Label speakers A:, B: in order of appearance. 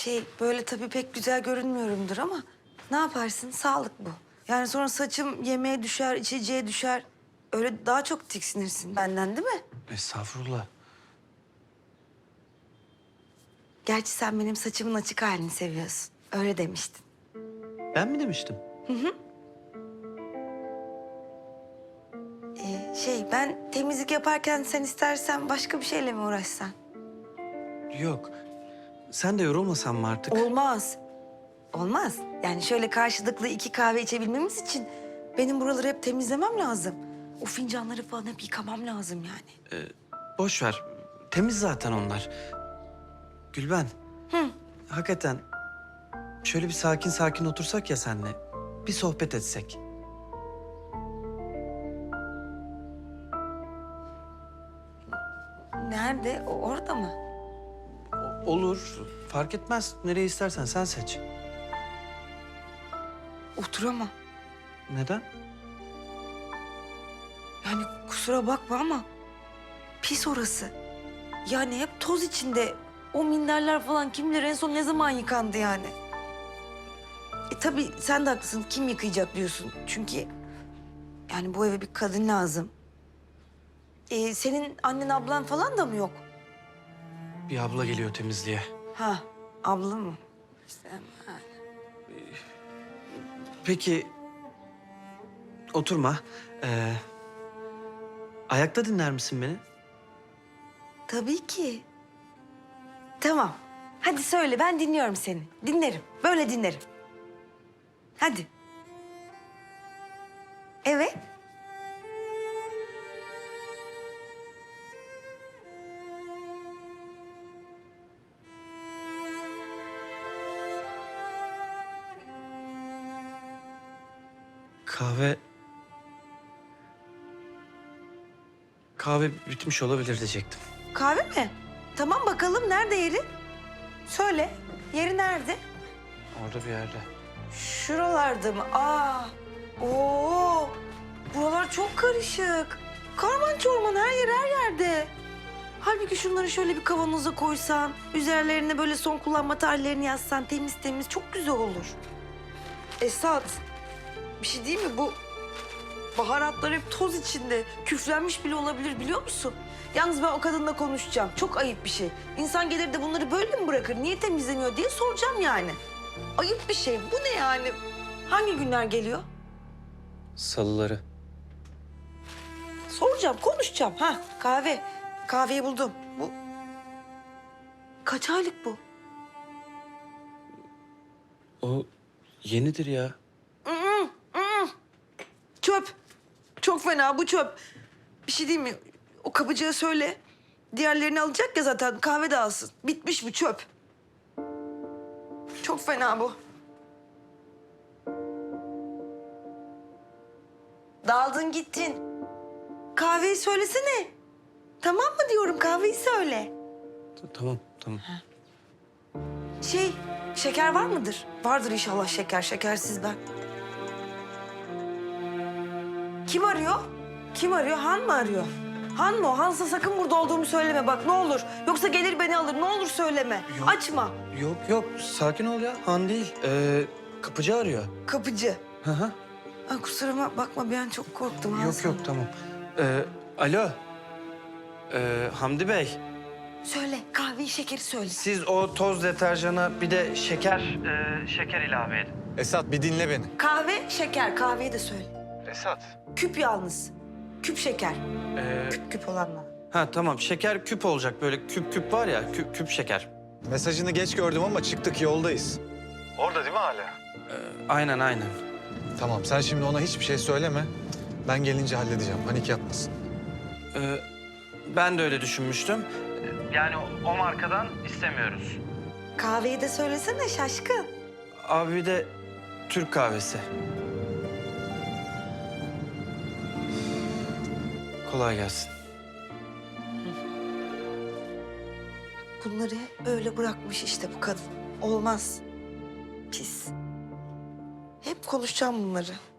A: Böyle tabii pek güzel görünmüyorumdur ama ne yaparsın? Sağlık bu. Yani sonra saçım yemeğe düşer, içeceğe düşer. Öyle daha çok tiksinirsin benden değil mi?
B: Estağfurullah.
A: Gerçi sen benim saçımın açık halini seviyorsun. Öyle demiştin.
B: Ben mi demiştim?
A: Ben temizlik yaparken sen istersen başka bir şeyle mi uğraşsan?
B: Yok. Sen de yorulmasan mı artık?
A: Olmaz. Olmaz. Yani şöyle karşılıklı 2 kahve içebilmemiz için benim buraları hep temizlemem lazım. O fincanları falan hep yıkamam lazım yani.
B: Boş ver. Temiz zaten onlar. Gülben. Hakikaten şöyle bir sakin sakin otursak ya senle. Bir sohbet etsek.
A: Nerede? Orada mı?
B: Olur. Fark etmez. Nereye istersen sen seç.
A: Oturamam.
B: Neden?
A: Yani kusura bakma ama pis orası. Yani hep toz içinde. O minderler falan kim bilir en son ne zaman yıkandı yani. Tabii sen de haklısın. Kim yıkayacak diyorsun. Çünkü yani bu eve bir kadın lazım. Senin annen ablan falan da mı yok?
B: Bir abla geliyor temizliğe.
A: Ha, abla mı? İşte, ha.
B: Peki oturma. Ayakta dinler misin beni?
A: Tabii ki. Tamam. Hadi söyle ben dinliyorum seni. Dinlerim. Böyle dinlerim. Hadi. Evet.
B: Kahve... Kahve bitmiş olabilir diyecektim.
A: Kahve mi? Tamam bakalım nerede yeri? Söyle. Yeri nerede?
B: Orada bir yerde.
A: Şuralarda mı? Oo. Buralar çok karışık. Karman çorman her yer her yerde. Halbuki şunları şöyle bir kavanoza koysan, üzerlerine böyle son kullanma tarihlerini yazsan temiz temiz çok güzel olur. Esat, bir şey değil mi bu? Baharatlar hep toz içinde. Küflenmiş bile olabilir biliyor musun? Yalnız ben o kadınla konuşacağım. Çok ayıp bir şey. İnsan gelir de bunları böyle mi bırakır? Niye temizlemiyor diye soracağım yani. Ayıp bir şey. Bu ne yani? Hangi günler geliyor?
B: Salıları.
A: Soracağım, konuşacağım. Kahve. Kahveyi buldum. Bu kaç aylık bu?
B: O yenidir ya.
A: Çöp. Çok fena bu çöp. Bir şey diyeyim mi? O kapıcıya söyle. Diğerlerini alacak ya zaten kahve de alsın. Bitmiş bu çöp. Çok fena bu. Daldın gittin. Kahveyi söylesene. Tamam mı diyorum kahveyi söyle.
B: Tamam, tamam.
A: Şeker var mıdır? Vardır inşallah şeker. Şekersiz ben. Kim arıyor? Kim arıyor? Han mı arıyor? Han mı o? Hansa sakın burada olduğumu söyleme bak ne olur. Yoksa gelir beni alır. Ne olur söyleme.
B: Yok.
A: Açma.
B: Yok, sakin ol ya. Han değil. Kapıcı arıyor.
A: Kapıcı.
B: Hı hı.
A: Kusuruma bakma bir an çok korktum.
B: Yok, tamam. Alo. Hamdi Bey,
A: Söyle kahveyi şekeri söyle.
B: siz o toz deterjana bir de şeker ilave edin.
C: Esat bir dinle beni.
A: Kahve, şeker. Kahveyi de söyle.
C: Esat.
A: Küp yalnız. Küp şeker.
B: Ee,
A: Küp olanla.
B: tamam, şeker küp olacak. Böyle küp var ya, küp şeker.
C: Mesajını geç gördüm ama çıktık yoldayız. Orada değil mi hala?
B: Aynen.
C: Tamam sen şimdi ona hiçbir şey söyleme. Ben gelince halledeceğim. Panik yapmasın.
B: Ben de öyle düşünmüştüm. Yani o markadan istemiyoruz.
A: Kahveyi de söylesene şaşkın.
B: Abi bir de Türk kahvesi. Kolay gelsin.
A: Bunları öyle bırakmış işte bu kadın. Olmaz. Pis. Hep konuşacağım bunları.